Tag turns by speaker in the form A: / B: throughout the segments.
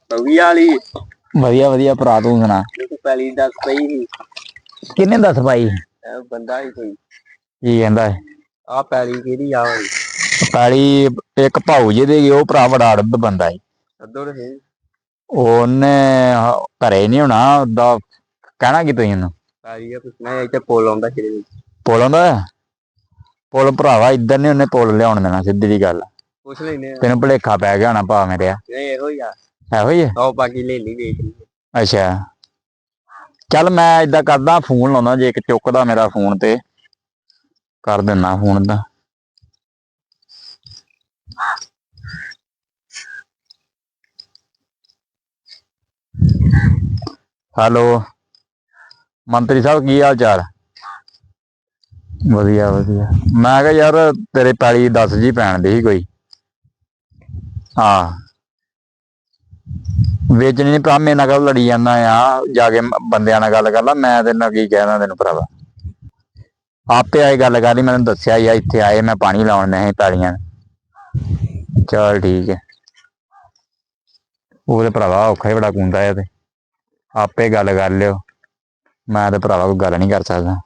A: ਬਵੀ ਵਾਲੀ
B: ਵਧੀਆ ਵਧੀਆ ਭਰਾ, ਤੂੰ ਸੁਣਾ।
A: ਤੂੰ ਪਹਿਲੀ ਦੱਸ ਪਈ ਸੀ।
B: ਕਿੰਨੇ ਦੱਸ ਭਾਈ?
A: ਬੰਦਾ ਹੀ ਕੋਈ।
B: ਕੀ ਕਹਿੰਦਾ?
A: ਆ ਪੈਲੀ ਕਿਹਦੀ ਆ ਵਾਲੀ?
B: ਪੈਲੀ ਇੱਕ ਭਾਊ ਜੀ ਦੀ, ਉਹ ਭਰਾ ਬੜਾ ਅੜਬ ਬੰਦਾ ਹੈ।
A: ਅੱਧੋ ਤੇ
B: ਉਹਨੇ ਘਰੇ ਨੀ ਹੋਣਾ, ਓਦਾਂ ਕਹਿਣਾ ਕੀ ਤੁਸੀਂ ਉਹਨੂੰ?
A: ਪੈਲੀ ਆ ਪੁੱਛਣਾ, ਇੱਥੇ ਪੁੱਲ ਆਉਂਦਾ ਕਿਹਦੇ ਵਿੱਚ?
B: ਪੁੱਲ ਆਉਂਦਾ? ਪੁੱਲ ਭਰਾਵਾ ਇੱਧਰ ਨੀ ਉਹਨੇ ਪੁੱਲ ਲਿਆਉਣ ਦੇਣਾ, ਸਿੱਧੀ ਦੀ ਗੱਲ।
A: ਪੁੱਛ ਲੈਨੇ ਆ।
B: ਤੈਨੂੰ ਭੁਲੇਖਾ ਪੈ ਗਿਆ ਹੋਣਾ ਭਾ ਮੇਰਿਆ।
A: ਨਹੀਂ ਇਹੋ ਹੀ ਆ।
B: ਇਹੋ ਹੀ ਹੈ?
A: ਆਓ ਬਾਕੀ ਲੈ ਲਈ ਵੇਚ ਲਈ।
B: ਅੱਛਾ ਚੱਲ ਮੈਂ ਏਦਾਂ ਕਰਦਾ, ਫੋਨ ਲਾਉਣਾ, ਜੇ ਇੱਕ ਚੁੱਕਦਾ ਮੇਰਾ ਫੋਨ ਤੇ ਕਰ ਦਿੰਦਾ ਫੋਨ ਦਾ। ਹੈਲੋ ਮੰਤਰੀ ਸਾਹਿਬ, ਕੀ ਹਾਲ ਚਾਲ? ਵਧੀਆ ਵਧੀਆ। ਮੈਂ ਕਿਹਾ ਯਾਰ ਤੇਰੇ ਪੈਲੀ 10 ਜੀ ਪੈਣ ਦੀ ਸੀ ਕੋਈ। ਹਾਂ ਵੇਚਣੀ ਨੀ ਭਰਾ, ਮੇਰੇ ਨਾਲ ਗੱਲ ਲੜੀ ਜਾਂਦਾ ਆ, ਜਾ ਕੇ ਬੰਦਿਆਂ ਨਾਲ ਗੱਲ ਕਰ ਲਾ। ਮੈਂ ਤੇਰੇ ਨਾਲ ਕੀ ਕਹਿਣਾ ਤੈਨੂੰ ਭਰਾਵਾ, ਆਪੇ ਆਏ ਗੱਲ ਕਰ ਲਈ। ਮੈਨੂੰ ਦੱਸਿਆ ਯਾਰ ਇੱਥੇ ਆਏ, ਮੈਂ ਪਾਣੀ ਲਾਉਣ ਨਹੀਂ ਪੈਲੀਆਂ। ਚੱਲ ਠੀਕ ਹੈ। ਉਹ ਤੇ ਭਰਾਵਾ ਔਖਾ ਹੀ ਬੜਾ ਕੁੰਦਾ ਹੈ, ਤੇ ਆਪੇ ਗੱਲ ਕਰ ਲਿਓ। ਮੈਂ ਤੇ ਭਰਾਵਾ ਕੋਈ ਗੱਲ ਨਹੀਂ ਕਰ ਸਕਦਾ।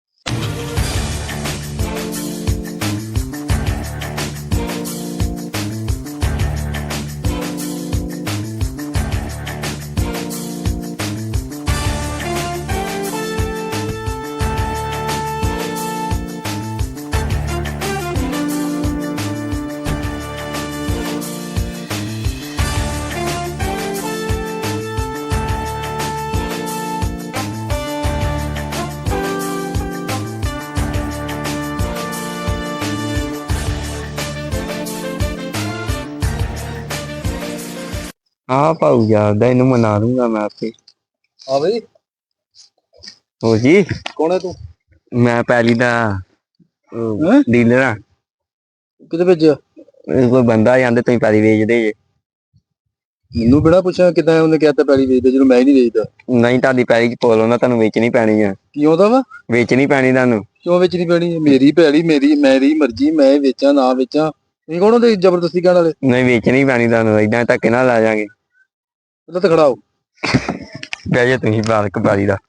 A: ਹਾਂ ਭਾਊ ਜਾਣਦਾ, ਇਹਨੂੰ ਮਨਾ ਦੂੰਗਾ ਮੈਂ ਆਪੇ।
C: ਹਾਂ ਬਈ,
A: ਹੋ ਜੀ।
C: ਕੌਣ ਹੈ ਤੂੰ?
A: ਮੈਂ ਪੈਲੀ ਦਾ ਡੀਲਰ ਆ।
C: ਕਿਤੇ ਭੇਜਿਆ?
A: ਕੋਈ ਬੰਦਾ ਜਾਂਦੇ, ਤੁਸੀਂ ਪੈਲੀ ਵੇਚਦੇ ਜੇ।
C: ਮੈਨੂੰ ਬਿਨਾਂ ਪੁੱਛਿਆ ਕਿੱਦਾਂ ਉਹਨੇ ਕਹਿਤਾ ਪੈਲੀ ਵੇਚਦੇ, ਜਦੋਂ ਮੈਂ ਹੀ ਨਹੀਂ ਵੇਚਦਾ।
A: ਨਹੀਂ, ਤੁਹਾਡੀ ਪੈਲੀ ਚ ਪੁੱਲ ਆਉਂਦਾ, ਤੁਹਾਨੂੰ ਵੇਚਣੀ ਪੈਣੀ ਆ।
C: ਕੀ ਆਉਂਦਾ ਵਾ?
A: ਵੇਚਣੀ ਪੈਣੀ ਤੁਹਾਨੂੰ।
C: ਕਿਉਂ ਵੇਚਣੀ ਪੈਣੀ? ਮੇਰੀ ਪੈਲੀ, ਮੇਰੀ ਮਰਜ਼ੀ, ਮੈਂ ਵੇਚਾਂ ਨਾ ਵੇਚਾਂ। ਤੁਸੀਂ ਕੌਣ ਹੁੰਦੇ ਜ਼ਬਰਦਸਤੀ ਕਹਿਣ ਵਾਲੇ?
A: ਨਹੀਂ, ਵੇਚਣੀ ਪੈਣੀ ਤੁਹਾਨੂੰ, ਏਦਾਂ ਧੱਕੇ ਨਾਲ ਲੈ ਜਾਗੇ।
C: ਪਹਿਲਾਂ ਤਾਂ ਖੜਾ ਹੋ।
A: ਬਹਿ ਜਾ ਤੁਸੀਂ ਬਾਲਕ ਪੈਲੀ ਦਾ।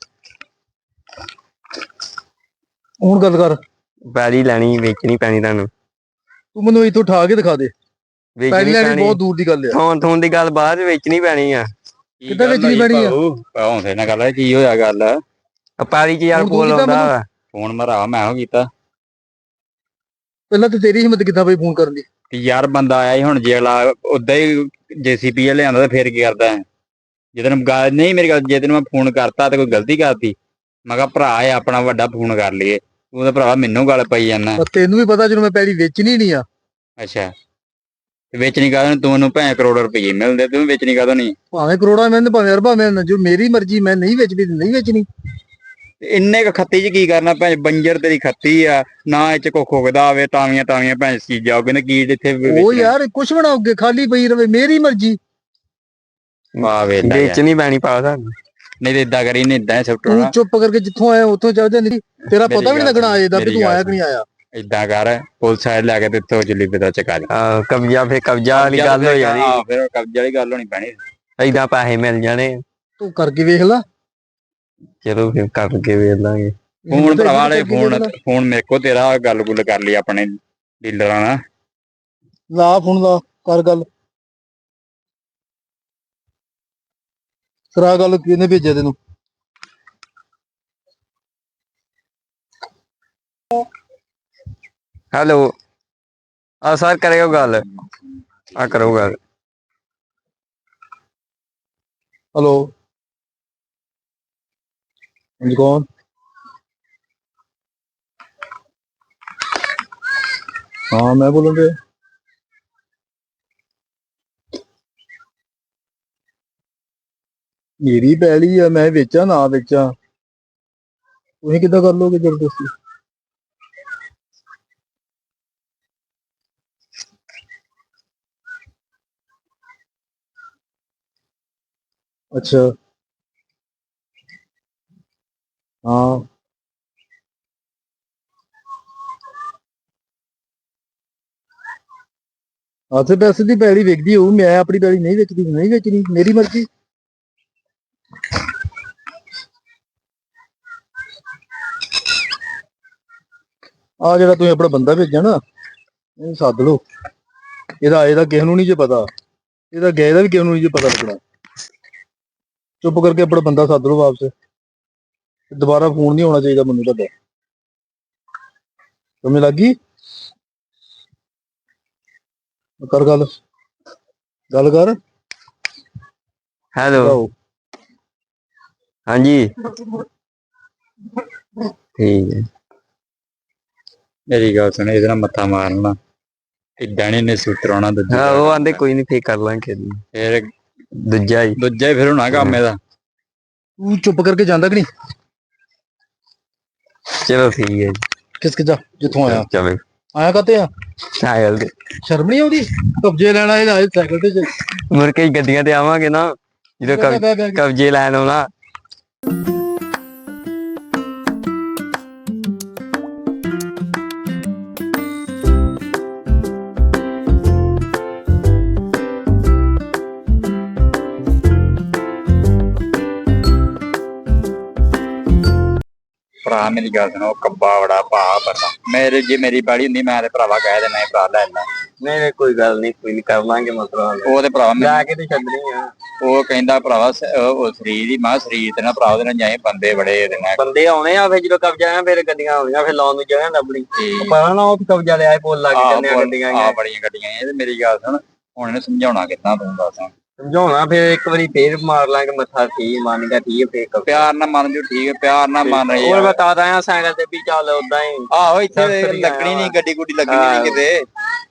C: ਹੁਣ ਗੱਲ ਕਰ।
A: ਪੈਲੀ ਲੈਣੀ, ਵੇਚਣੀ ਪੈਣੀ ਤੁਹਾਨੂੰ।
C: ਤੂੰ ਮੈਨੂੰ ਇੱਥੋਂ ਉਠਾ ਕੇ ਦਿਖਾ ਦੇ। ਪੈਲੀ
A: ਵੇਚਣੀ
C: ਲੈਣੀ
A: ਪੈਣੀ।
C: ਬਹੁਤ ਦੂਰ ਦੀ ਗੱਲ ਆ।
A: ਥੋਂ ਦੀ ਗੱਲ ਬਾਅਦ ਵੇਚਣੀ ਪੈਣੀ ਆ।
C: ਕਿੱਦਾਂ ਵੇਚਣੀ ਪੈਣੀ ਆ?
B: ਹੌਂਸਲੇ ਨਾਲ ਗੱਲ, ਕੀ ਹੋਇਆ ਗੱਲ?
A: ਪੈਲੀ ਚ ਯਾਰ
C: ਹੁਣ ਤੂੰ
A: ਪੁੱਲ
C: ਕੀਤਾ
A: ਆਉਂਦਾ
C: ਮੈਨੂੰ?
A: ਵਾ।
B: ਫੋਨ ਮਰਾ ਮੈਂ ਹੋ ਕੀਤਾ।
C: ਪਹਿਲਾਂ ਤਾਂ ਤੇਰੀ ਹਿੰਮਤ ਕਿੱਦਾਂ ਬਈ ਫੋਨ ਕਰਨ ਦੀ?
B: ਯਾਰ ਬੰਦਾ ਆਇਆ ਸੀ ਹੁਣ, ਜੇ ਅਗਲਾ ਓਦਾਂ ਹੀ JCB ਲਿਆਂਦਾ, ਤੇ ਫੇਰ ਕੀ ਕਰਦਾ? ਜੇ ਤੈਨੂੰ ਗੱਲ ਨਹੀਂ ਮੇਰੀ ਗੱਲ, ਜੇ ਤੈਨੂੰ ਮੈਂ ਫੋਨ ਕਰਤਾ ਤੇ ਕੋਈ ਗਲਤੀ ਕਰਤੀ, ਮੈਂ ਕਿਹਾ ਭਰਾ ਹੈ ਆਪਣਾ ਵੱਡਾ, ਫੋਨ ਕਰ ਲਈਏ। ਤੂੰ ਤਾਂ ਭਰਾਵਾ ਮੈਨੂੰ ਗੱਲ ਪਈ ਜਾਂਦਾ।
C: ਤੈਨੂੰ ਵੀ ਪਤਾ ਜਦੋਂ ਮੈਂ ਪੈਲੀ ਵੇਚਣੀ ਨਹੀਂ ਆ।
B: ਅੱਛਾ ਵੇਚਣੀ ਕਾਹਦੋਂ? ਤੂੰ ਉਹਨੂੰ ਕਰੋੜ ਰੁਪਏ ਮਿਲਦੇ, ਤੂੰ ਵੇਚਣੀ ਕਾਹਦੋਂ ਨਹੀਂ?
C: ਭਾਵੇਂ ਕਰੋੜਾਂ ਮਿਲਣ, ਭਾਵੇਂ ਅਰਬਾਂ ਮਿਲਣ, ਜੋ ਮੇਰੀ ਮਰਜ਼ੀ, ਮੈਂ ਨਹੀਂ ਵੇਚਣੀ ਤੇ ਨਹੀਂ ਵੇਚਣੀ।
B: ਇੰਨੇ ਕ ਖੱਤੀ ਚ ਕੀ ਕਰਨਾ? ਭੈਣ ਬੰਜਰ ਤੇਰੀ ਖੱਤੀ ਆ, ਨਾ ਇਹ ਚ ਕੋ ਖੁਗਦਾ ਆਵੇ, ਤਾਵੀਆਂ ਤਾਵੀਆਂ ਭੈਣ ਚੀਜ਼ਾਂ ਉਹ ਕਹਿੰਦੇ ਕੀ ਇੱਥੇ
C: ਉਹ ਯਾਰ ਕੁਛ ਵੀ ਨਾ ਉੱਗੇ, ਖਾਲੀ ਪਈ ਰਵੇ, ਮੇਰੀ ਮਰਜ਼ੀ।
B: ਵਾਹ ਵੇਲਾ ਯਾਰ,
A: ਵੇਚਣੀ ਪੈਣੀ ਪਾ ਤੁਹਾਨੂੰ।
B: ਨਹੀਂ ਤੇ ਏਦਾਂ ਕਰੀ, ਨਹੀਂ ਏਦਾਂ ਸੁੱਟੋ
C: ਤੂੰ
B: ਨਾ।
C: ਚੁੱਪ ਕਰਕੇ ਜਿੱਥੋਂ ਆਇਆ ਉੱਥੋਂ ਚੱਲ ਜਾਂਦੀ। ਤੇਰਾ ਪਤਾ ਵੀ ਨਹੀਂ ਲੱਗਣਾ ਆਏ ਦਾ ਵੀ ਤੂੰ ਆਇਆ ਕਿ ਨਹੀਂ ਆਇਆ।
B: ਏਦਾਂ ਕਰ, ਪੁਲਿਸ ਆਏ ਲੈ ਕੇ ਤੇ ਇੱਥੋਂ ਜਲੀ ਪਤਾ ਚਕਾ ਲਈ।
A: ਕਬਜ਼ਾ, ਫੇਰ ਕਬਜ਼ਾ ਵਾਲੀ ਗੱਲ ਹੋ ਜਾਣੀ।
B: ਫਿਰ ਕਬਜ਼ੇ ਵਾਲੀ ਗੱਲ ਹੋਣੀ ਪੈਣੀ।
A: ਏਦਾਂ ਪੈਸੇ ਮਿਲ ਜਾਣੇ।
C: ਤੂੰ ਕਰਕੇ ਵੇਖ ਲਾ।
A: ਚਲੋ ਫਿਰ ਕਰਕੇ ਵੇਖ ਲਾਂਗੇ।
B: ਫੋਨ ਭਰਾਵਾ ਵਾਲੇ ਫੋਨ ਮੇਰੇ ਕੋਲ, ਤੇਰਾ ਗੱਲ ਗੁੱਲ ਕਰ ਲਈ ਆਪਣੇ ਡੀਲਰਾਂ ਨਾਲ।
C: ਲਾ ਫੋਨ, ਲਾ ਕਰ ਗੱਲ। ਕਰਾ ਗੱਲ, ਕਿਹਨੇ ਭੇਜਿਆ ਤੈਨੂੰ?
A: ਹੈਲੋ, ਸਰ ਕਰਿਓ ਗੱਲ, ਕਰੋ ਗੱਲ।
C: ਹੈਲੋ, ਹਾਂਜੀ ਕੌਣ? ਹਾਂ ਮੈਂ ਬੋਲਣ ਡਿਆ। ਮੇਰੀ ਪੈਲੀ ਆ, ਮੈਂ ਵੇਚਾਂ ਨਾ ਵੇਚਾਂ, ਤੁਸੀਂ ਕਿੱਦਾਂ ਕਰ ਲੋਗੇ ਜ਼ਬਰਦਸਤੀ? ਅੱਛਾ ਹਾਂ, ਆਸੇ ਪੈਸੇ ਦੀ ਪੈਲੀ ਵਿਕਦੀ ਹੋਊ, ਮੈਂ ਆਪਣੀ ਪੈਲੀ ਨਹੀਂ ਵੇਚਦੀ, ਨਹੀਂ ਵੇਚਣੀ, ਮੇਰੀ ਮਰਜ਼ੀ। ਆ ਜਿਹੜਾ ਤੁਸੀਂ ਆਪਣਾ ਬੰਦਾ ਭੇਜਿਆ ਨਾ, ਇਹ ਸੱਦ ਲਓ। ਇਹਦਾ ਕਿਸੇ ਨੂੰ ਨਹੀਂ ਜੇ ਪਤਾ, ਇਹਦਾ ਗਏ ਦਾ ਵੀ ਕਿਸੇ ਨੂੰ ਨਹੀਂ ਜੇ ਪਤਾ ਲੱਗਣਾ। ਚੁੱਪ ਕਰਕੇ ਆਪਣਾ ਬੰਦਾ ਸੱਦ ਲਓ ਵਾਪਸ। ਦੁਬਾਰਾ ਫੋਨ ਨਹੀਂ ਆਉਣਾ ਚਾਹੀਦਾ ਮੈਨੂੰ ਤੁਹਾਡਾ। ਸਮਝ ਲੱਗ ਗਈ? ਕਰ ਗੱਲ ਕਰ।
A: ਹੈਲੋ, ਹਾਂਜੀ ਠੀਕ ਹੈ।
B: ਮੇਰੀ ਗੱਲ ਸੁਣ, ਇਹਦੇ ਨਾਲ ਮੱਥਾ ਮਾਰਨਾ ਇਦਾਂ ਨੇ ਸੁਤਰਾਉਣਾ ਦੂਜਾ।
A: ਹਾਂ ਉਹ ਆਂਦੇ ਕੋਈ ਨਹੀਂ, ਫੇਰ ਕਰ ਲਾਂਗੇ
B: ਫਿਰ
A: ਦੂਜਾ ਹੀ
B: ਫਿਰ ਹੋਣਾ ਕੰਮ ਇਹਦਾ।
C: ਤੂੰ ਚੁੱਪ ਕਰਕੇ ਜਾਂਦਾ ਕਿ ਨਹੀਂ?
A: ਚਲੋ ਠੀਕ ਹੈ ਜੀ।
C: ਕਿਸਕ ਜਾ ਜਿੱਥੋਂ ਆਇਆ।
A: ਚਲੋ
C: ਆਇਆ ਕਾਤੇ ਆ?
A: ਸਾਈਕਲ ਤੇ
C: ਸ਼ਰਮ ਨਹੀਂ ਆਉਂਦੀ? ਕਬਜੇ ਲੈਣਾ ਇਹ ਆਏ ਸਾਈਕਲ ਤੇ।
A: ਮੁੜ ਕੇ ਗੱਡੀਆਂ ਤੇ ਆਵਾਂਗੇ ਨਾ, ਜਦੋਂ ਕਬਜੇ ਲੈਣ ਆਉਣਾ।
B: ਭਰਾ ਮੇਰੀ ਗੱਲ ਸੁਣੋ, ਕੱਬਾ ਬੜਾ ਭਾ ਬੰਦਾ ਮੇਰੇ, ਜੇ ਮੇਰੀ ਬਾੜੀ ਹੁੰਦੀ ਮੈਂ ਤੇ ਭਰਾਵਾ ਕਹਿ ਦੇਣਾ ਭਰਾ ਲੈ ਲੈ।
A: ਨਹੀਂ ਕੋਈ ਗੱਲ ਨਹੀਂ, ਕੋਈ ਨਹੀਂ ਕਰ ਲਾਂਗੇ ਮਤਲਬ।
B: ਉਹ ਤੇ ਭਰਾਵਾ
A: ਲੈ ਕੇ ਤੇ ਛੱਡਣੀ ਆ।
B: ਉਹ ਕਹਿੰਦਾ ਭਰਾਵਾ ਉਹ ਸਰੀਰ ਹੀ ਮਾਂ ਸਰੀਰ ਤੇ ਨਾ ਭਰਾ ਉਹਦੇ ਨਾਲ ਜਾਏ, ਬੰਦੇ ਬੜੇ ਇਹਦੇ ਨਾਲ।
A: ਬੰਦੇ ਆਉਣੇ ਆ, ਫਿਰ ਜਦੋਂ ਕਬਜ਼ਾ ਆਇਆ ਫਿਰ ਗੱਡੀਆਂ ਆਉਣੀਆਂ, ਫਿਰ ਲਾਉਣ ਨੂੰ ਜਗ੍ਹਾ ਲੱਭਣੀ। ਪਤਾ ਨਾ ਉਹ ਕਬਜ਼ਾ ਲਿਆ ਬੋਲ ਲੱਗ ਜਾਂਦੇ ਗੱਡੀਆਂ।
B: ਆ ਬੜੀਆਂ ਗੱਡੀਆਂ ਇਹ ਤੇ ਮੇਰੀ ਗੱਲ ਸੁਣ, ਹੁਣ ਇਹਨੂੰ ਸਮਝਾਉਣਾ ਕਿੱਦਾਂ ਤੂੰ ਦੱਸ?
A: ਸਮਝਾਉਣਾ ਫਿਰ ਇੱਕ ਵਾਰੀ ਫੇਰ ਮਾਰ ਲਾਂਗੇ ਮੱਥਾ, ਠੀਕ ਮੰਨ ਗਿਆ, ਠੀਕ ਹੈ ਫੇਰ
B: ਪਿਆਰ ਨਾਲ ਮੰਨ ਜੂ, ਠੀਕ ਹੈ ਪਿਆਰ ਨਾਲ ਮੰਨ ਰਹੀ।
A: ਹੋਰ ਬਤਾ ਦਾਂ ਸਾਈਕਲ ਤੇ ਵੀ ਚੱਲ ਉਦਾਂ ਹੀ।
B: ਆਹੋ ਇੱਥੇ ਲੱਗਣੀ ਨਹੀਂ ਗੱਡੀ ਗੁੱਡੀ ਲੱਗਣੀ ਨਹੀਂ ਕਿਤੇ।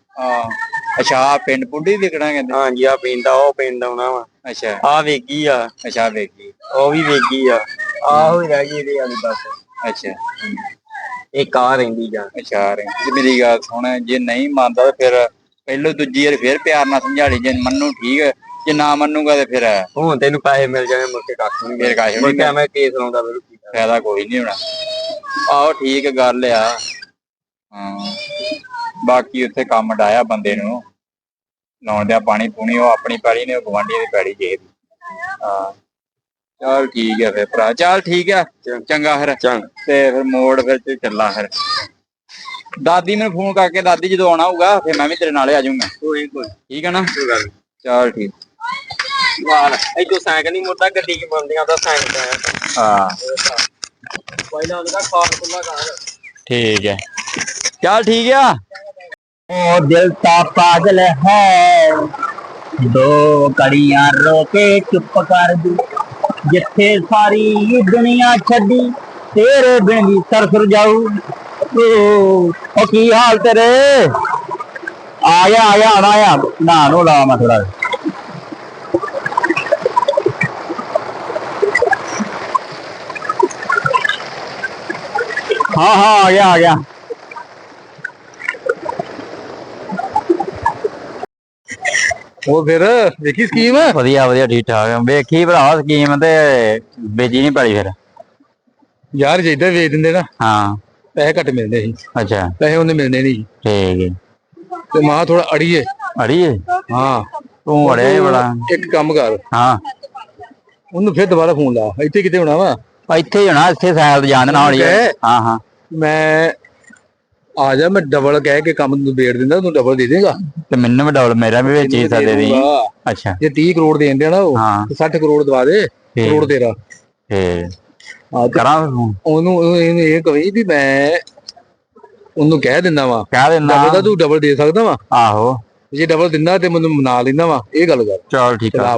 B: ਅੱਛਾ ਪਿੰਡ ਪੁੰਡੀ ਵਿਕਣਾ ਕਹਿੰਦੇ?
A: ਹਾਂਜੀ ਆ ਪਿੰਡ, ਉਹ ਪਿੰਡ ਆਉਣਾ ਵਾ।
B: ਅੱਛਾ
A: ਆ ਵੇਗੀ ਆ।
B: ਅੱਛਾ ਵੇਗੀ,
A: ਉਹ ਵੀ ਵੇਗੀ ਆ। ਆਹੋ ਹੀ ਰਹਿ ਗਈ ਇਹਦੀ ਵਾਲੀ ਬਸ।
B: ਅੱਛਾ
A: ਇੱਕ ਆ ਰਹਿੰਦੀ ਜਾਂ।
B: ਅੱਛਾ ਤੇ ਮੇਰੀ ਗੱਲ ਸੁਣ, ਜੇ ਨਹੀਂ ਮੰਨਦਾ ਫਿਰ ਪਹਿਲੋਂ ਦੂਜੀ ਵਾਰ ਫਿਰ ਪਿਆਰ ਨਾਲ ਸਮਝਾ ਲਈ, ਜੇ ਮੰਨੂ ਠੀਕ ਹੈ, ਜੇ ਨਾ ਮੰਨੂਗਾ ਤੇ ਫਿਰ
A: ਹੁਣ ਤੈਨੂੰ ਪੈਸੇ ਮਿਲ ਜਾਣੇ, ਮੁੜ ਕੇ ਕੱਖ ਨਹੀਂ।
B: ਫਿਰ ਕਾਹੇ ਨਹੀਂ
A: ਮੈਂ ਕੇਸ ਲਾਉਂਦਾ, ਫਿਰ
B: ਫਾਇਦਾ ਕੋਈ ਨਹੀਂ ਹੋਣਾ। ਆਹੋ ਠੀਕ ਗੱਲ ਆ। ਹਾਂ ਬਾਕੀ ਉੱਥੇ ਕੰਮ ਡਾਇਆ ਬੰਦੇ ਨੂੰ ਲਾਉਣ ਦਿਆ, ਪਾਣੀ ਪੂਣੀ ਉਹ ਆਪਣੀ ਪੈੜੀ ਨੇ, ਗਵਾਂਢੀਆਂ ਦੀ ਪੈੜੀ ਜੇ। ਹਾਂ ਚਲ ਠੀਕ ਹੈ ਫਿਰ ਭਰਾ, ਚੱਲ ਠੀਕ ਆ ਚੰਗਾ ਫਿਰ। ਤੇ ਫਿਰ ਮੋੜ ਫਿਰ ਚੱਲਾਂ ਫਿਰ। ਦਾਦੀ ਮੈਨੂੰ ਫੋਨ ਕਰਕੇ, ਦਾਦੀ ਜਦੋਂ ਆਉਣਾ ਹੋਊਗਾ ਫਿਰ ਮੈਂ ਵੀ ਤੇਰੇ ਨਾਲੇ ਆ ਜਾਊਂਗਾ। ਠੀਕ ਹੈ ਨਾ? ਚਲ ਠੀਕ।
A: ਇਦੋਂ ਸਾਈਕਲ ਨਹੀਂ ਮੁੜਦਾ, ਗੱਡੀ ਕੀ ਬੰਦੀਆਂ ਦਾ ਸਾਈਕਲ।
B: ਹਾਂ
A: ਪਹਿਲਾਂ ਉਹਦਾ ਖਾਲ ਖੁੱਲਾ ਕਰ।
B: ਠੀਕ ਹੈ, ਚਲ ਠੀਕ ਆ।
D: ओ दिल सा पागल है, दो कड़ियां रोके चुप कर दी, जिथे सारी दुनिया छड़ी तेरे बिन भी सरसर जाऊ। ओ की हाल तेरे? आया आया आया ना नो ला मैं थोड़ा। हाँ हाँ आ गया।
C: ਉਹ ਫਿਰ ਵੇਖੀ ਸਕੀਮ?
B: ਵਧੀਆ ਵਧੀਆ ਠੀਕ ਠਾਕ ਵੇਖੀ ਭਰਾ ਸਕੀਮ, ਤੇ ਵੇਚੀ ਨਹੀਂ ਪੜੀ ਫਿਰ।
C: ਯਾਰ ਜੇ ਇਦਾਂ ਵੇਚ ਦਿੰਦੇ ਨਾ,
B: ਹਾਂ
C: ਪੈਸੇ ਘੱਟ ਮਿਲਦੇ ਸੀ।
B: ਅੱਛਾ
C: ਪੈਸੇ ਉਹਨੇ ਮਿਲਣੇ ਨਹੀਂ।
B: ਠੀਕ ਹੈ।
C: ਤੇ ਮਾਂ ਥੋੜਾ ਅੜੀਏ।
B: ਅੜੀਏ?
C: ਹਾਂ
B: ਤੂੰ ਅੜਿਆ ਹੀ ਬੜਾ।
C: ਇੱਕ ਕੰਮ ਕਰ,
B: ਹਾਂ
C: ਉਹਨੂੰ ਫਿਰ ਦੁਬਾਰਾ ਫੋਨ ਲਾ। ਇੱਥੇ ਕਿਤੇ ਹੋਣਾ ਵਾ?
B: ਇੱਥੇ ਹੀ ਹੋਣਾ, ਇੱਥੇ ਸਾਈਡ ਤੇ ਜਾਣ ਦੇਣਾ ਹੌਲੀ। ਹਾਂ ਹਾਂ
C: ਮੈਂ ਆ ਜਾ, ਮੈਂ ਡਬਲ ਕਹਿ ਕੇ ਕੰਮ ਨਿਬੇੜ ਦਿੰਦਾ, ਤੂੰ ਡਬਲ ਦੇ ਦੇਗਾ।
B: ਤੇ ਮੈਨੂੰ ਵੀ ਡਬਲ, ਮੇਰਾ ਵੀ ਵਿੱਚ ਹਿੱਸਾ ਦੇ ਦੇ। ਅੱਛਾ
C: ਜੇ 30 ਕਰੋੜ ਦੇਣ ਦੇਣਾ ਉਹ, 60 ਕਰੋੜ ਦਵਾ ਦੇ, ਕਰੋੜ ਤੇਰਾ।
B: ਕਰਾਂ
C: ਉਹਨੂੰ ਇਹ ਕਹੀ ਵੀ ਮੈਂ ਉਹਨੂੰ ਕਹਿ ਦਿੰਦਾ ਵਾ,
B: ਕਹਿ ਦਿੰਦਾ
C: ਡਬਲ ਦਾ ਤੂੰ ਡਬਲ ਦੇ ਸਕਦਾ ਵਾ।
B: ਆਹੋ
C: ਜੇ ਡਬਲ ਦਿੰਦਾ ਤੇ ਮੈਨੂੰ ਮਨਾ ਲੈਂਦਾ ਵਾ, ਇਹ ਗੱਲ ਕਰ।
B: ਚਲ ਠੀਕ ਆ।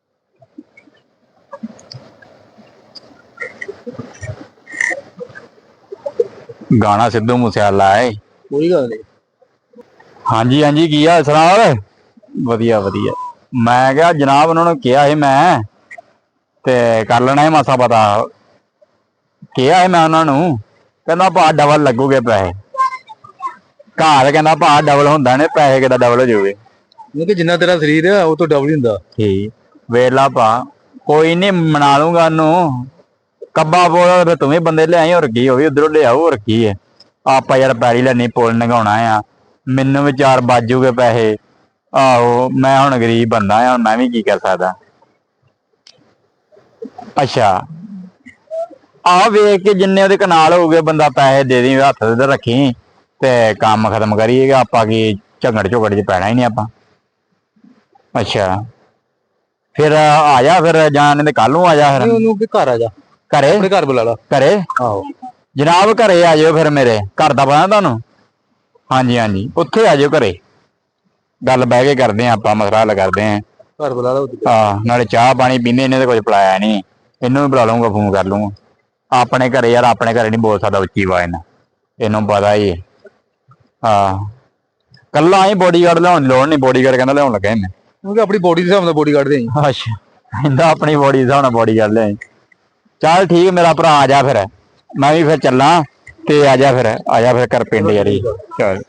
B: ਗਾਣਾ ਸਿੱਧੂ ਮੂਸੇਵਾਲਾ ਹੈ।
C: ਕੋਈ ਗੱਲ ਨਹੀਂ।
B: ਹਾਂਜੀ ਹਾਂਜੀ ਕੀ ਹਾਲ ਸੁਣਾ? ਵਧੀਆ ਵਧੀਆ। ਮੈਂ ਕਿਹਾ ਜਨਾਬ ਉਹਨਾਂ ਨੂੰ ਕਿਹਾ ਸੀ ਮੈਂ, ਤੇ ਕਰ ਲੈਣਾ ਹੈ ਮਾਸਾ ਪਤਾ। ਕਿਹਾ ਹੈ ਮੈਂ ਉਹਨਾਂ ਨੂੰ, ਕਹਿੰਦਾ ਭਾ ਡਬਲ ਲੱਗੂਗੇ ਪੈਸੇ। ਘਰ ਕਹਿੰਦਾ ਭਾ ਡਬਲ ਹੁੰਦਾ ਨੇ, ਪੈਸੇ ਕਿੱਦਾਂ ਡਬਲ ਹੋ ਜਾਊਗੇ?
C: ਕਿਉਂਕਿ ਜਿੰਨਾ ਤੇਰਾ ਸਰੀਰ ਆ ਉਹ ਤੋਂ ਡਬਲ ਹੀ ਹੁੰਦਾ।
B: ਠੀਕ ਵੇਲਾ ਭਾ, ਕੋਈ ਨੀ ਮਨਾ ਲੂੰਗਾ ਉਹਨੂੰ। ਕੱਬਾ ਬੋਲ ਫਿਰ ਤੂੰ ਵੀ ਬੰਦੇ ਲਿਆਈ, ਹੋਰ ਕੀ? ਉਹ ਵੀ ਉਧਰੋਂ ਲਿਆਓ, ਹੋਰ ਕੀ ਹੈ? ਆਪਾਂ ਯਾਰ ਪੈੜੀ ਲੈਣੀ, ਪੁੱਲ ਨਗਾਉਣਾ ਆ, ਮੈਨੂੰ ਵੀ 4 ਬਾਜੂਗੇ ਪੈਸੇ। ਆਹੋ ਮੈਂ ਹੁਣ ਗਰੀਬ ਬੰਦਾ ਆ, ਹੁਣ ਮੈਂ ਵੀ ਕੀ ਕਰ ਸਕਦਾ। ਅੱਛਾ ਆਹ ਵੇਖ ਕੇ ਜਿੰਨੇ ਉਹਦੇ ਕਨਾਲ ਹੋਊਗੇ ਬੰਦਾ ਪੈਸੇ ਦੇ ਦੀ, ਹੱਥ ਤੇ ਰੱਖੀ ਤੇ ਕੰਮ ਖਤਮ ਕਰੀਏਗਾ। ਆਪਾਂ ਕੀ ਝਗੜ ਝੁਗੜ ਚ ਪੈਣਾ ਹੀ ਨਹੀਂ ਆਪਾਂ। ਅੱਛਾ ਫਿਰ ਆ ਜਾ ਫਿਰ, ਜਾਂ ਨਹੀਂ ਤੇ ਕੱਲ ਨੂੰ ਆ ਜਾ ਫਿਰ।
C: ਉਹਨੂੰ ਕਿ ਘਰ ਆ ਜਾ,
B: ਘਰੇ
C: ਆਪਣੇ ਘਰ ਬੁਲਾ ਲਾ।
B: ਘਰੇ
C: ਆਹੋ
B: ਜਨਾਬ ਘਰੇ ਆ ਜਾਓ ਫਿਰ, ਮੇਰੇ ਘਰ ਦਾ ਪਤਾ ਤੁਹਾਨੂੰ। ਹਾਂਜੀ ਹਾਂਜੀ ਉੱਥੇ ਆ ਜਾਓ ਘਰੇ, ਗੱਲ ਬਹਿ ਕੇ ਕਰਦੇ ਆ ਆਪਾਂ, ਮਸਲਾ ਹੱਲ ਕਰਦੇ ਆ।
C: ਘਰ ਬੁਲਾ ਲਾ।
B: ਹਾਂ ਨਾਲੇ ਚਾਹ ਪਾਣੀ ਪੀਂਦੇ, ਇਹਨੇ ਤਾਂ ਕੁਝ ਪਿਲਾਇਆ ਨਹੀਂ, ਇਹਨੂੰ ਵੀ ਬੁਲਾ ਲਊਂਗਾ, ਫੋਨ ਕਰ ਲੂੰਗਾ। ਆਪਣੇ ਘਰੇ ਯਾਰ, ਆਪਣੇ ਘਰੇ ਨਹੀਂ ਬੋਲ ਸਕਦਾ ਉੱਚੀ ਆਵਾਜ਼ ਨਾਲ, ਇਹਨੂੰ ਪਤਾ ਹੀ ਹੈ। ਹਾਂ ਕੱਲਾ ਹੀ ਬੋਡੀਗਾਰਡ ਲਿਆਉਣ ਦੀ ਲੋੜ ਨਹੀਂ, ਬੋਡੀਗਾਰਡ ਕਹਿੰਦਾ ਲਿਆਉਣ ਲੱਗਾ ਮੈਂ।
C: ਕਿਉਂਕਿ ਆਪਣੀ ਬੋਡੀ ਦੇ ਹਿਸਾਬ ਨਾਲ ਬੋਡੀਗਾਰਡ ਦੇ।
B: ਅੱਛਾ ਕਹਿੰਦਾ ਆਪਣੀ ਬੋਡੀ ਦੇ ਹਿਸਾਬ ਨਾਲ ਬੋਡੀਗਾਰਡ ਲਿਆਈ। ਚੱਲ ਠੀਕ ਮੇਰਾ ਭਰਾ, ਆ ਜਾ ਫਿਰ, ਮੈਂ ਵੀ ਫਿਰ ਚੱਲਾਂ ਤੇ ਆ ਜਾ ਫਿਰ ਘਰ ਪਿੰਡ ਯਾਰੀ। ਚੱਲ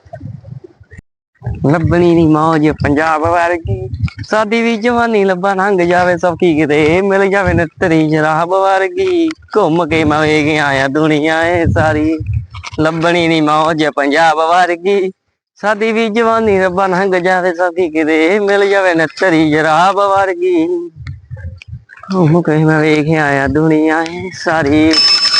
A: ਲੱਭਣੀ ਨੀ ਮੌਜ ਪੰਜਾਬ ਵਰਗੀ, ਸਾਡੀ ਵੀ ਜਵਾਨੀ ਲੱਭਾ ਲੰਘ ਜਾਵੇ ਸੌਖੀ, ਕਿਤੇ ਮਿਲ ਜਾਵੇ ਨਤਰੀ ਸ਼ਰਾਬ ਵਰਗੀ, ਘੁੰਮ ਕੇ ਮੈਂ ਵੇਖ ਆਇਆ ਦੁਨੀਆ ਏ ਸਾਰੀ। ਲੱਭਣੀ ਨੀ ਮੌਜ ਪੰਜਾਬ ਵਰਗੀ, ਸਾਡੀ ਵੀ ਜਵਾਨੀ ਰੱਬਾ ਲੰਘ ਜਾਵੇ ਸੌਖੀ, ਕਿਤੇ ਮਿਲ ਜਾਵੇ ਨਤਰੀ ਸ਼ਰਾਬ ਵਰਗੀ, ਘੁੰਮ ਕੇ ਮੈਂ ਵੇਖ ਆਇਆ ਦੁਨੀਆ ਏ ਸਾਰੀ।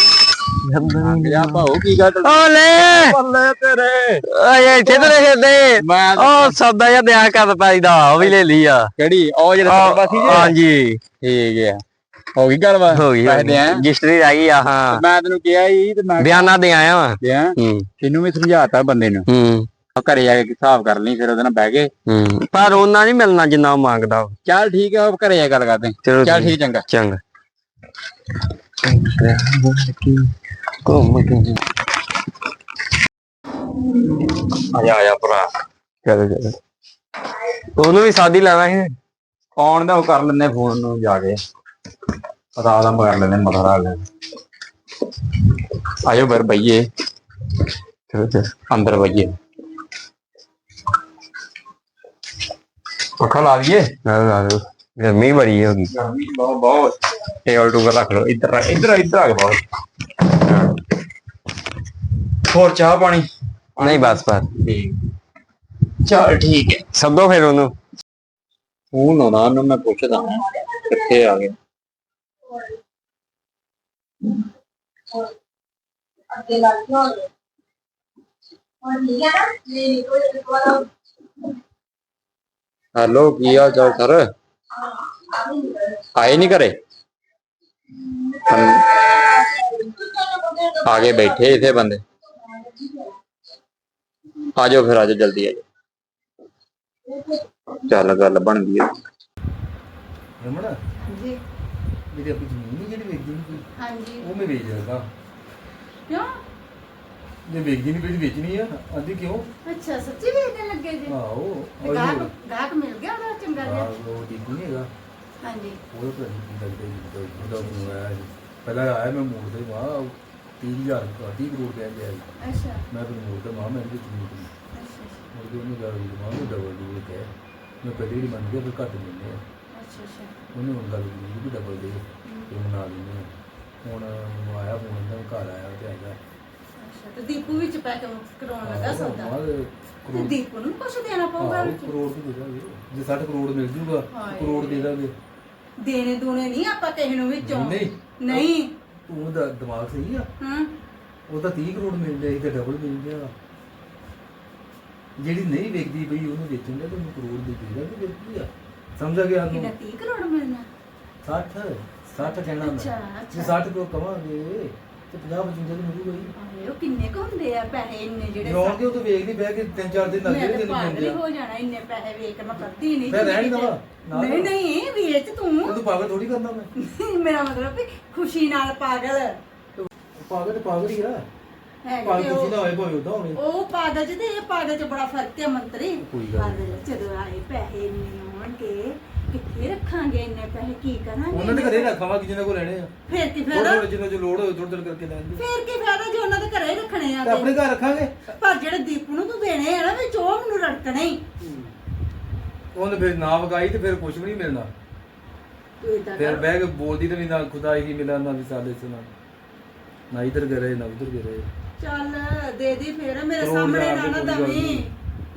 B: ਭਾਉ ਕੀ ਗੱਲ
A: ਓਲੇ
B: ਬੱਲੇ ਤੇਰੇ।
A: ਓਏ ਇੱਥੇ ਤੇ ਖੇਡੇ
B: ਮੈਂ
A: ਉਹ ਸੌਦਾ ਜਿਹਾ ਦਿਆ ਕਰ ਪਾਈ ਦਾ, ਉਹ ਵੀ ਲੈ ਲਈ ਆ।
B: ਕਿਹੜੀ ਉਹ ਜਿਹੜਾ ਪਾਸੀ ਜੀ?
A: ਹਾਂਜੀ
B: ਠੀਕ ਆ, ਹੋ ਗਈ ਗੱਲ ਬਾਤ,
A: ਹੋ ਗਈ ਰਜਿਸਟਰੀ ਰਹਿ ਗਈ ਆ। ਹਾਂ
B: ਮੈਂ ਤੈਨੂੰ ਕਿਹਾ ਸੀ ਤੇ ਮੈਂ
A: ਬਿਆਨਾ ਦੇ ਆਇਆ ਵਾ।
B: ਤੈਨੂੰ ਵੀ ਸਮਝਾਤਾ ਬੰਦੇ ਨੂੰ, ਘਰੇ ਜਾ ਕੇ ਹਿਸਾਬ ਕਰ ਲਈ, ਫਿਰ ਉਹਦੇ ਨਾਲ ਬਹਿ ਕੇ।
A: ਪਰ ਉਹਨਾਂ ਨਹੀਂ ਮਿਲਣਾ ਜਿੰਨਾ ਉਹ ਮੰਗਦਾ।
B: ਚੱਲ ਠੀਕ ਆ, ਘਰੇ ਜਾ ਗੱਲ ਕਰਦੇ। ਚੱਲ ਠੀਕ, ਚੰਗਾ
A: ਚੰਗਾ। ਘੁੰਮ ਕੇ
B: ਆ ਭਰਾ,
A: ਚਲੋ ਉਹਨੂੰ ਵੀ ਸਾਦੀ ਲੈਣਾ ਸੀ।
B: ਕੌਣ ਦਾ ਉਹ ਕਰ ਲੈਂਦੇ ਫੋਨ ਨੂੰ ਜਾ ਕੇ, ਪਤਾ ਦਾ ਕਰ ਲੈਂਦੇ ਮਸਲਾ ਹੱਲ। ਆਜੋ ਫਿਰ ਬਈਏ, ਅੰਦਰ ਬਈਏ, ਪੱਖਾ ਲਾ ਦਈਏ।
A: ਗਰਮੀ ਬੜੀ ਹੋ ਗਈ।
B: ਗਰਮੀ ਬਹੁਤ ਟੇਬਲ ਟੂਬਲ ਰੱਖ ਲਓ, ਇੱਧਰ ਆ ਕੇ ਬਹੁਤ। ਹੋਰ ਚਾਹ ਪਾਣੀ?
A: ਨਹੀਂ ਬਸ
B: ਠੀਕ, ਚੱਲ ਠੀਕ ਹੈ।
A: ਸੱਦੋ ਫਿਰ ਉਹਨੂੰ,
B: ਫੋਨ ਆਉਣਾ ਉਹਨੂੰ, ਮੈਂ ਪੁੱਛਦਾ ਕਿੱਥੇ ਆ ਗਏ। ਹੈਲੋ ਕੀ ਹਾਲ ਚਾਲ ਸਰ? ਆਏ ਨਹੀਂ ਘਰੇ? ਆ ਕੇ ਬੈਠੇ ਇੱਥੇ ਬੰਦੇ। ਆ ਜਾਓ ਫਿਰ, ਆ ਜਾਓ ਜਲਦੀ ਆ ਜਾਓ। ਚੱਲ ਗੱਲ ਬਣ ਗਈ।
C: ਰਮਣਾ
E: ਜੀ
C: ਮੇਰੀ ਆਪਣੀ ਜ਼ਮੀਨ ਨਹੀਂ ਜਿਹੜੀ ਵੇਚਦੀ ਨਹੀਂ,
E: ਹਾਂਜੀ
C: ਉਹ ਮੈਂ ਵੇਚ ਦਿੰਦਾ।
E: ਕਿਉਂ?
C: ਜੇ ਵੇਚਦੀ ਨਹੀਂ ਪਈ ਵੇਚਣੀ ਆ, ਆਂਦੀ ਕਿਉਂ?
E: ਅੱਛਾ ਸੱਚੀ ਵੇਚਣ ਲੱਗੇ ਜੀ?
C: ਆਹੋ
E: ਤੇ ਗਾਹਕ ਮਿਲ ਗਿਆ ਉਹਦਾ ਚੰਗਾ ਜਿਹਾ?
C: ਉਹ ਠੀਕ ਨਹੀਂ ਹੈਗਾ,
E: ਹਾਂਜੀ
C: ਉਹ ਤਾਂ ਨਹੀਂ ਲੱਗਦਾ ਜੀ, ਉਹਦਾ ਮੈਨੂੰ ਆਇਆ ਸੀ ਪਹਿਲਾਂ ਆਇਆ, ਮੈਂ ਮੋੜ ਤੇ ਵਾਹ 30,000 30 ਕਰੋੜ ਕਹਿ ਗਿਆ ਜੀ।
E: ਅੱਛਾ
C: ਮੈਂ ਫਿਰ ਮੋੜ ਤੇ ਮਾਂ ਮੈਂ ਇਹਦੇ ਜ਼ਮੀਨ ਨਹੀਂ
E: ਅੱਛਾ
C: ਮੁੜ ਕੇ ਉਹਨੇ ਗੱਲ ਮਾਂ ਨੂੰ ਡਬਲ ਕਹਿ, ਮੈਂ ਪਹਿਲੇ ਹੀ ਮੰਨ ਗਿਆ, ਫਿਰ ਘੱਟ ਦਿੰਦੇ ਆ।
E: ਅੱਛਾ ਅੱਛਾ
C: ਉਹਨੇ ਹੁਣ ਗੱਲ ਕੀਤੀ ਵੀ ਡਬਲ ਦੇ ਫਿਰ ਮਨਾ ਦਿੰਦੇ ਆ। ਹੁਣ ਮੈਨੂੰ ਆਇਆ ਫੋਨ, ਦਾ ਘਰ ਆਇਆ ਤੇ ਆਇਆ।
E: ਅੱਛਾ ਤੇ ਦੀਪੂ ਵਿੱਚ ਪੈਕ ਕਰਾਉਣ ਲੱਗਾ ਸੌਦਾ? ਤੇ
C: ਕਰੋੜ
E: ਦੀਪੂ ਨੂੰ ਕੁਛ ਦੇਣਾ ਪਊਗਾ ਵਿੱਚ?
C: ਕਰੋੜ ਦੇ ਦਾਂਗੇ, ਜੇ 60 ਕਰੋੜ ਮਿਲ ਜੂਗਾ ਕਰੋੜ ਦੇ ਦਾਂਗੇ।
E: ਦੇਣੇ ਦੂਣੇ ਨਹੀਂ ਆਪਾਂ ਕਿਸੇ ਨੂੰ ਵਿੱਚੋਂ।
C: ਨਹੀਂ
E: ਨਹੀਂ
C: ਤੂੰ ਦਾ ਦਿਮਾਗ ਸਹੀ ਆ,
E: ਹਾਂ
C: ਉਹ ਤਾਂ 30 ਕਰੋੜ ਮਿਲ ਜਾਏ ਤੇ ਡਬਲ ਮਿਲ ਗਿਆ। ਜਿਹੜੀ ਨਹੀਂ ਵੇਚਦੀ ਪਈ ਉਹਨੂੰ ਵੇਚਣ ਦਾ ਤੈਨੂੰ ਕਰੋੜ ਦੇ ਦੇਗਾ ਤੇ ਵੇਚਦੀ ਆ, ਸਮਝ ਗਿਆ ਤੂੰ?
E: ਕਿੰਨਾ 30 ਕਰੋੜ ਮਿਲਣਾ?
C: 60 ਕਹਿਣਾ ਮੈਂ,
E: ਅੱਛਾ
C: ਜੇ 60 ਕਰੋੜ ਕਵਾਂਗੇ ਤੇ 50-55 ਤੇ ਮਿਲੂਗਾ ਹੀ।
E: ਆਏ ਉਹ ਕਿੰਨੇ ਕੁ ਹੁੰਦੇ ਆ ਪੈਸੇ ਇੰਨੇ ਜਿਹੜੇ?
C: ਰੌਣ ਕੇ ਉਹ ਤਾਂ ਵੇਖ ਨਹੀਂ ਬਹਿ ਕੇ 3-4 ਦਿਨ ਲੱਗ
E: ਮੈਂ
C: ਗਏ
E: ਤਾਂ
C: ਤੈਨੂੰ
E: ਪਾਗਲ ਹੀ
C: ਮਿਲ
E: ਹੋ ਜਾਣਾ, ਇੰਨੇ ਪੈਸੇ ਵੇਖ ਕੇ ਮੈਂ ਕਰਦੀ ਨਹੀਂ।
C: ਮੈਂ ਰਹਿਣ ਦਵਾ
E: ਨਹੀਂ ਨਹੀਂ ਵੇਚ ਤੂੰ।
C: ਤੂੰ ਪਾਗਲ ਥੋੜੀ ਕਰਦਾ ਮੈਂ,
E: ਮੇਰਾ ਮਤਲਬ ਵੀ ਖੁਸ਼ੀ ਨਾਲ ਪਾਗਲ
C: ਪਾਗਲ ਤੇ ਪਾਗਲ ਹੀ ਆ।
E: ਹੈ
C: ਪਾਗਲ ਤੁਸੀਂ ਨਾ ਹੋਏ ਭਾਵੇਂ ਉਦਾਂ ਹੋਣੇ।
E: ਉਹ ਪਾਗਲ ਚ ਤੇ ਇਹ ਪਾਗਲ ਚ ਬੜਾ ਫਰਕ ਹੈ ਮੰਤਰੀ।
C: ਕੋਈ ਗੱਲ
E: ਪਾਗਲ ਜਦੋਂ ਆਏ ਪੈਸੇ ਇੰਨੇ ਹੋਣਗੇ ਕਿੱਥੇ ਰੱਖਾਂਗੇ ਇੰਨੇ ਪੈਸੇ, ਕੀ ਕਰਾਂਗੇ?
C: ਉਹਨਾਂ ਦੇ ਘਰੇ ਰੱਖਾਂਗੇ ਜਿਹਨਾਂ ਕੋਲ ਲੈਣੇ ਆ,
E: ਫੇਰ ਕੀ
C: ਥੋੜਾ
E: ਫਾਇਦਾ?
C: ਥੋੜਾ ਜਿੰਨਾ ਜੋ ਲੋੜ ਹੋਵੇ ਥੋੜਾ ਥੋੜਾ ਕਰਕੇ ਲੈਣ ਦੇ।
E: ਫੇਰ ਕੀ ਫਾਇਦਾ ਜੇ ਉਹਨਾਂ ਦੇ ਘਰੇ ਹੀ ਰੱਖਣੇ ਆ
C: ਤੇ ਆਪਣੇ
E: ਤੇ?
C: ਘਰ ਰੱਖਾਂਗੇ।
E: ਪਰ ਜਿਹੜੇ ਦੀਪੂ ਨੂੰ ਤੂੰ ਦੇਣੇ ਆ ਨਾ ਵਿੱਚ ਉਹ ਮੈਨੂੰ ਰੜਕਣੇ ਹੀ।
C: ਉਹਨੇ ਫਿਰ ਨਾ ਵਗਾਈ ਤੇ ਫਿਰ ਕੁਝ ਵੀ ਨਹੀਂ ਮਿਲਣਾ।
E: ਤੂੰ ਏਦਾਂ
C: ਫਿਰ
E: ਕਰ
C: ਬਹਿ ਕੇ ਬੋਲਦੀ ਤੇ ਵੀ ਨਾ ਖੁਦਾ ਹੀ ਮਿਲਾ ਨਾ ਵਿਸਾਲੇ ਸੁਣਾ, ਨਾ ਇਧਰ ਗਏ ਨਾ ਉਧਰ ਗਏ।
E: ਚੱਲ ਦੇ ਦੀ ਫੇਰ ਮੇਰੇ
C: ਕਰੋੜ
E: ਸਾਹਮਣੇ
C: ਹਜ਼ਾਰ
E: ਨਾ
C: ਦੀ
E: ਨਾ
C: ਕੋਈ ਗੱਲ
E: ਦਵੀਂ,
C: ਨਹੀਂ।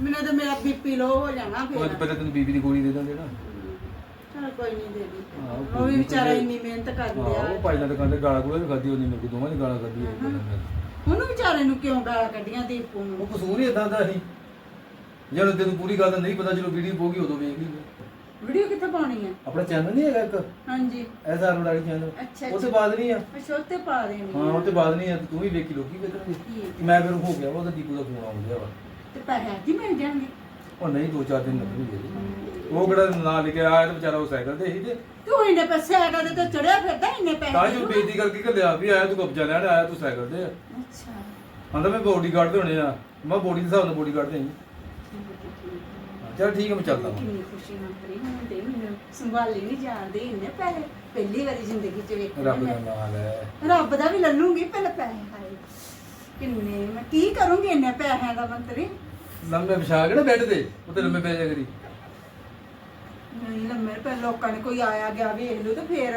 E: ਮੈਨੂੰ ਤਾਂ ਮੇਰਾ ਬੀਪੀ ਲੋ ਹੋ ਜਾਣਾ
C: ਉਹ
E: ਫਿਰ
C: ਪਹਿਲਾਂ ਤੈਨੂੰ ਬੀਬੀ ਦੀ ਗੋਲੀ ਦੇ ਦਾਂਗੇ ਨਾ।
E: ਚਲ ਕੋਈ ਨਹੀਂ ਦੇ ਦੀ
C: ਹਾਂ,
E: ਉਹ ਵੀ ਵਿਚਾਰਾ ਇੰਨੀ ਮਿਹਨਤ ਕਰਦੇ ਆ
C: ਉਹ ਭਾਈ ਨਾਲ ਦੁਕਾਨ ਤੇ ਗਾਲਾਂ ਗੂਲਾਂ ਵੀ ਖਾਧੀ ਉਹਨੇ, ਮੇਰੇ ਕੋਲ ਦੋਵਾਂ ਦੀ ਗਾਲਾਂ ਖਾਧੀ
E: ਉਹਨੂੰ ਵਿਚਾਰੇ ਨੂੰ ਕਿਉਂ ਗਾਲਾਂ ਕੱਢੀਆਂ ਦੀਪੂ ਨੂੰ
C: ਉਹ ਕਸੂਰ ਹੀ ਇਦਾਂ ਦਾ ਸੀ। ਜਦੋਂ ਤੈਨੂੰ ਪੂਰੀ ਗੱਲ ਦਾ ਨਹੀਂ ਪਤਾ, ਜਦੋਂ ਵੀਡੀਓ ਪਊਗੀ ਉਦੋਂ ਵੇਖ ਲਈ।
E: ਵੀਡੀਓ ਕਿੱਥੇ ਪਾਉਣੀ ਆ
C: ਆਪਣਾ ਚੈਨਲ ਨਹੀਂ ਹੈਗਾ ਇੱਕ
E: ਹਾਂਜੀ
C: ਐਸਆਰ ਵਡਾਲੀ ਚੈਨਲ,
E: ਅੱਛਾ
C: ਉਹ ਤੋਂ ਬਾਅਦ ਨਹੀਂ ਆ।
E: ਅੱਛਾ ਉੱਤੇ ਪਾ ਦੇਣੀ
C: ਹਾਂ, ਉਹ ਤੋਂ ਬਾਅਦ ਨਹੀਂ ਆ, ਤੂੰ ਵੀ ਵੇਖੀ ਲੋਕੀ ਵੇਖਣਗੇ।
E: ਠੀਕ
C: ਮੈਂ ਫਿਰ ਹੋ ਗਿਆ ਵਾ, ਉਹਦਾ ਦੀਪੂ ਦਾ ਫੋਨ ਆਉਣ ਡਿਆ ਵਾ।
E: ਤੇ ਪੈਸੇ ਅੱਜ ਹੀ ਮਿਲ ਜਾਣਗੇ
C: ਉਹ ਨਹੀਂ 2-4 ਦਿਨ ਲੱਗਣਗੇ। ਉਹ ਕਿਹੜਾ ਨਾਂ ਲਿਖਿਆ ਆਇਆ ਤੇ ਵਿਚਾਰਾ ਉਹ ਸਾਈਕਲ ਤੇ ਸੀ ਤੇ
E: ਤੂੰ ਇੰਨੇ ਪੈਸੇ ਆਗਾ ਤੇ ਚੜਿਆ ਫਿਰਦਾ ਇੰਨੇ
C: ਤਾਂ
E: ਪੈਸੇ
C: ਜੋ ਬੇਇੱਜ਼ਤੀ ਕਰਕੇ ਘੱਲਿਆ ਵੀ ਆਇਆ ਤੂੰ ਕਬਜ਼ਾ ਲੈਣ ਆਇਆ, ਤੂੰ ਸਾਈਕਲ ਤੇ ਆ।
E: ਅੱਛਾ
C: ਆਂਦਾ ਮੈਂ ਬੋਡੀਗਾਰਡ ਦੇ ਹੋਣੇ ਆ। ਮੈਂ ਬੋਡੀ ਦੇ ਹਿਸਾਬ ਨਾਲ ਬੋਡੀਗਾਰਡ ਦੇ ਚਲ ਠੀਕ ਹੈ, ਮੈਂ ਚੱਲਦਾ ਵਾਂ।
E: ਕਿੰਨੀ ਖੁਸ਼ੀ ਮੰਤਰੀ ਹੁੰਦੇ ਮੈਨੂੰ ਸੰਭਾਲੀ ਨਹੀਂ ਜਾਣਦੇ ਇੰਨੇ ਪੈਸੇ ਪਹਿਲੀ ਵਾਰੀ ਜ਼ਿੰਦਗੀ 'ਚ ਵੇਖੇ
C: ਰੱਬ
E: ਮੈਂ।
C: ਦਾ ਨਾਮ ਹੈ।
E: ਰੱਬ ਦਾ ਵੀ ਲੱਲੂਗੀ ਪਹਿਲੇ ਪੈਸੇ ਹਾਏ ਕਿੰਨੇ ਮੈਂ ਕੀ ਕਰੂੰਗੀ ਇੰਨੇ ਪੈਸਿਆਂ ਦਾ ਮੰਤਰੀ
C: ਲੰਮੇ ਵਿਛਾ ਕੇ ਨਾ ਬੈੱਡ ਤੇ ਉੱਤੇ ਲੰਮੇ ਪੈ ਜਾ ਕਰੀ।
E: ਨਹੀਂ ਲੰਮੇ ਪੈ ਲੋਕਾਂ ਨੇ ਕੋਈ ਆਇਆ ਗਿਆ ਵੇਖ ਲੂ ਤੇ ਫੇਰ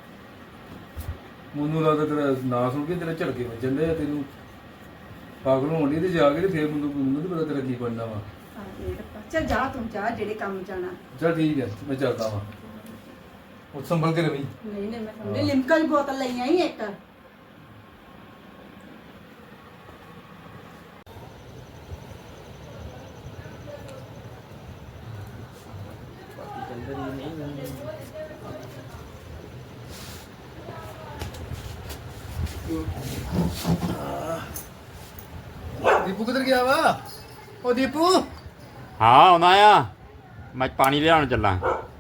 C: ਮੈਨੂੰ ਲੱਗਦਾ ਤੇਰਾ ਨਾਂ ਸੁਣ ਕੇ ਤੇਰੇ ਝੜਕੇ ਵੱਜਣ ਦੇ, ਤੈਨੂੰ ਪਾਗਲ ਹੋਣ ਦੀ ਤੇ ਜਾ ਕੇ ਤੇ ਫੇਰ ਮੈਨੂੰ ਨਹੀਂ ਪਤਾ ਤੇਰਾ ਕੀ ਬਣਨਾ ਵਾ।
E: ਚੱਲ ਜਾ ਤੂੰ ਜਾ ਜਿਹੜੇ ਕੰਮ ਜਾਣਾ
C: ਚਲ ਠੀਕ ਹੈ, ਮੈਂ ਚੱਲਦਾ ਵਾਂ। ਉਹ ਸੰਭਲ ਕੇ ਰਵੀ।
E: ਨਹੀਂ ਨਹੀਂ ਮੈਂ ਸਮਝੇ ਲਿਮਕਾ ਦੀ ਬੋਤਲ ਲਈ ਆਈ ਇੱਕ
C: ਦੀਪੂ ਕਿੱਧਰ ਗਿਆ ਵਾ? ਉਹ ਦੀਪੂ
B: ਹਾਂ ਆਉਣਾ ਆ, ਮੈਂ ਪਾਣੀ ਲਿਆਉਣ ਚੱਲਾਂ।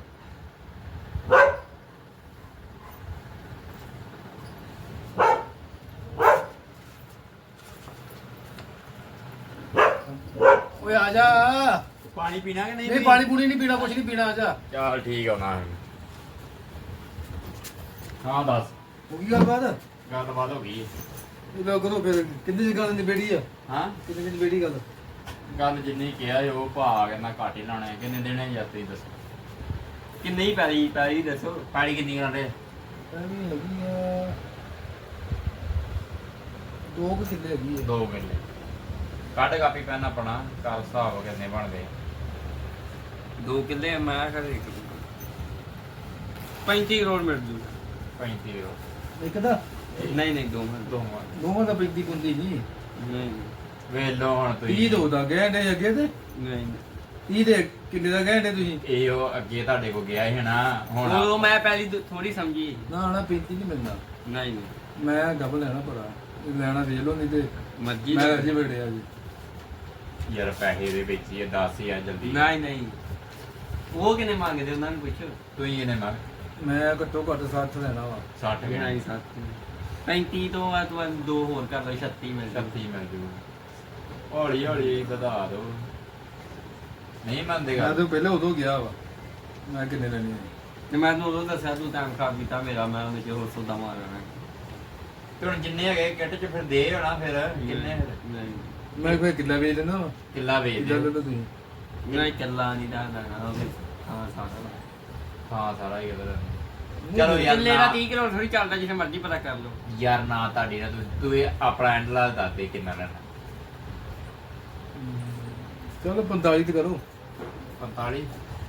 C: ਓਏ ਆ ਜਾ।
B: ਪਾਣੀ ਪੀਣਾ ਕਿ
C: ਨਹੀਂ ਪਾਣੀ ਪੂਣੀ ਨਹੀਂ ਪੀਣਾ, ਕੁਛ ਨਹੀਂ ਪੀਣਾ, ਆ ਜਾ।
B: ਚੱਲ ਠੀਕ ਆਉਣਾ। ਹਾਂ ਦੱਸ,
C: ਹੋ ਗਈ ਗੱਲਬਾਤ?
B: ਗੱਲਬਾਤ ਹੋ ਗਈ।
C: ਇਹ ਲੋਕ ਕਦੋਂ ਫਿਰ ਕਿੰਨੇ ਦੀ ਗੱਲ ਨਿਬੇੜੀ ਆ?
B: ਹਾਂ
C: ਕਿੰਨੇ ਦੀ ਨਿਬੇੜੀ ਗੱਲ?
B: ਗੱਲ ਜਿੰਨੀ ਕਿਹਾ ਸੀ ਉਹ ਭਾਅ ਕਹਿੰਦਾ ਘੱਟ ਹੀ ਲਾਉਣਾ ਹੈ। ਕਿੰਨੇ ਦੇਣੇ ਯਾਰ ਤੁਸੀਂ ਦੱਸੋ? ਕਿੰਨੀ ਹੀ ਪੈਰੀ ਦੱਸੋ, ਪੈਰੀ ਕਿੰਨੀ ਕਰਦੇ?
C: ਐਵੇਂ ਹੈਗੀ ਆ 2 ਕਿੱਲੇ ਹੈਗੀ ਆ।
B: 2 ਕਿੱਲੇ ਕੱਢ ਕਾਪੀ ਪੈਨ ਆਪਣਾ ਕਰ ਹਿਸਾਬ ਕਿੰਨੇ ਬਣਦੇ।
A: 2 ਕਿੱਲੇ ਮੈਂ ਕਰੇ 35 ਕਰੋੜ ਮਿਲ ਜੂਗਾ।
B: 35 ਰੁਪਏ
C: ਇੱਕ ਦਾ
A: ਨਹੀਂ ਨਹੀਂ ਦੋਵਾਂ
C: ਦੋਵਾਂ ਦਾ 35 ਪੁੰਦੀ ਨਹੀਂ।
A: ਨਹੀਂ
B: ਵੇਲੋ ਹੁਣ
C: 30
B: ਤੁਸੀਂ
C: ਦੋ ਦਾ ਗਏ ਨੇ ਅੱਗੇ ਤੇ
A: ਨਹੀਂ
C: 30 ਦੇ ਕਿੰਨੇ ਦਾ ਗਏ ਨੇ ਤੁਸੀਂ?
B: ਇਹ ਉਹ ਅੱਗੇ ਤੁਹਾਡੇ ਕੋ ਗਿਆ ਸੀ ਨਾ ਹੁਣ
A: ਉਹ ਮੈਂ ਪਹਿਲੀ ਥੋੜੀ ਸਮਝੀ।
C: ਨਾ ਨਾ 35 ਨਹੀਂ ਮਿਲਣਾ।
A: ਨਹੀਂ ਨਹੀਂ
C: ਮੈਂ ਡਬਲ ਲੈਣਾ ਭਰਾ, ਲੈਣਾ ਵੇਚ ਲਓ ਨਹੀਂ ਤੇ
A: ਮਰਜ਼ੀ
C: ਮੈਂ ਅਜੇ ਬੜਿਆ ਜੀ।
B: ਯਾਰ ਪੈਸੇ ਦੇ ਵਿੱਚ ਹੀ 10,000 ਜਲਦੀ।
A: ਨਹੀਂ ਨਹੀਂ ਉਹ ਕਿਨੇ ਮੰਗਦੇ ਉਹਨਾਂ ਨੂੰ ਪੁੱਛੋ।
B: ਤੁਸੀਂ ਇਹਨੇ ਮੰਗ
C: ਮੈਂ ਘੱਟੋ ਘੱਟ 60 ਲੈਣਾ ਵਾ।
B: 60
A: ਨਹੀਂ
B: ਗਏ
A: 35 ਤੋਂ ਬਾਅਦ 2 ਹੋਰ ਕਰ ਲਓ 36 ਮਿਲ ਜੂ।
B: 36 ਮਿਲ ਜੂ। ਹੌਲੀ ਹੌਲੀ ਵਧਾ ਦੋ, ਨਹੀਂ ਮੰਨਦੇ
C: ਮੈਂ
B: ਗੱਲ।
C: ਤਾਂ ਪਹਿਲੇ ਉਦੋਂ ਗਿਆ ਵਾ, ਮੈਂ ਕਿੰਨੇ ਲੈਣੇ ਆ।
A: ਤੇ ਮੈਂ ਤੈਨੂੰ ਉਦੋਂ ਦੱਸਿਆ ਤੂੰ ਟਾਈਮ ਖਰਾਬ ਕੀਤਾ ਮੇਰਾ, ਮੈਂ ਉਹਦੇ ਚ ਹੋਰ ਸੌਦਾ ਮਾਰਨਾ।
B: ਤੇ ਹੁਣ ਜਿੰਨੇ ਹੈਗੇ ਕਿੱਟ ਚ ਫਿਰ ਦੇ ਹੋਣਾ ਫਿਰ ਕਿੰਨੇ
A: ਨਹੀਂ
C: ਮੈਂ ਫਿਰ ਕਿੱਲਾ ਵੇਚ ਲੈਣਾ ਵਾ।
B: ਕਿੱਲਾ ਵੇਚ
C: ਕਿੱਲਾ ਲੈ
B: ਦੇ।
C: ਲਓ ਤੁਸੀਂ।
A: ਨਹੀਂ ਕੱਲਾ ਨਹੀਂ ਦਾ ਉਹਦੇ ਹਾਂ ਸਾਰਾ
B: ਹਾਂ ਸਾਰਾ ਹੀ ਕਿਧਰ। ਚਲੋ ਯਾਰ
A: ਕਿੱਲੇ ਦਾ
B: ਨਾ-
A: 30 ਕਿਲੋ ਥੋੜੀ ਚੱਲਦਾ, ਜਿੱਥੇ ਮਰਜ਼ੀ ਪਤਾ ਕਰ ਲਓ।
B: ਯਾਰ ਨਾ ਤੁਹਾਡੀ ਨਾ ਤੂੰ ਇਹ ਆਪਣਾ ਐਂਡ ਲਾ ਦੱਸ ਦੇ ਕਿੰਨਾ ਲੈਣਾ।
C: ਚਲੋ 45 ਤੇ ਕਰੋ।
B: 45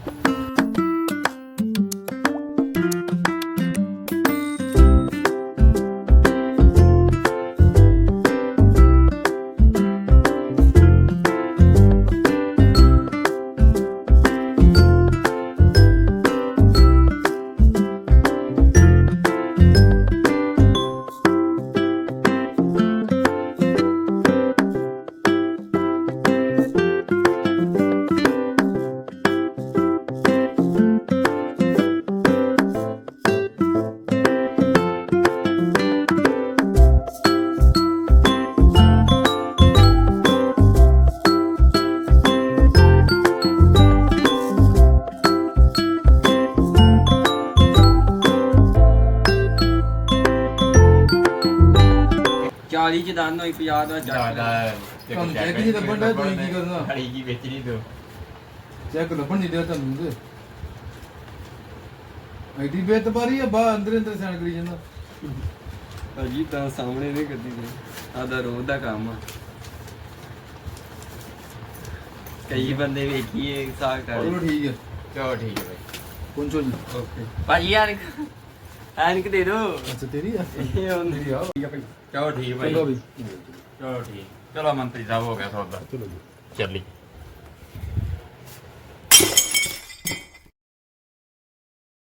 A: 40 ਚ ਦੰਨ ਹੋਈ 50 ਦਾ
B: ਜ਼ਿਆਦਾ
C: ਤੁਹਾਨੂੰ ਚੈੱਕ ਹੀ ਲੱਭਣ ਡਿਆ, ਤੁਸੀਂ ਕੀ ਕਰਨਾ?
B: ਖੜੀ ਕੀ ਵੇਚਣੀ ਤੂੰ।
C: ਚੈੱਕ ਲੱਭਣ ਨਹੀਂ ਦਿਆ ਤੁਹਾਨੂੰ ਤੇ ਆਈਡੀ ਬੇਤਬਾਰੀ ਆ, ਬਾ ਅੰਦਰ ਅੰਦਰ ਸੈਨ ਕਰੀ ਜਾਂਦਾ।
A: ਅਜੀ ਤਾਂ ਸਾਹਮਣੇ ਨਹੀਂ ਕਰਦੀ ਆਦਾ ਰੋਜ਼ ਦਾ ਕੰਮ ਆ।
B: ਕਈ ਬੰਦੇ ਵੇਖੀਏ ਸਾਗ ਕਰ
C: ਚਲੋ ਠੀਕ ਹੈ
B: ਚਲੋ ਠੀਕ ਹੈ ਬਾਈ
C: ਪਹੁੰਚੋ ਜੀ
B: ਓਕੇ ਭਾਈ ਐਨਕ ਦੇ ਦੋ
C: ਅੱਛਾ ਤੇਰੀ ਆ
B: ਇਹ ਹੁੰਦੀ
C: ਆ
B: ਚਲੋ ਠੀਕ ਭਾਈ
C: ਚਲੋ ਵੀ
B: ਚਲੋ ਠੀਕ ਚਲੋ ਮੰਤਰੀ ਸਾਹਿਬ ਹੋ ਗਿਆ ਸੌਦਾ
C: ਚਲੋ ਜੀ
B: ਚੱਲੀ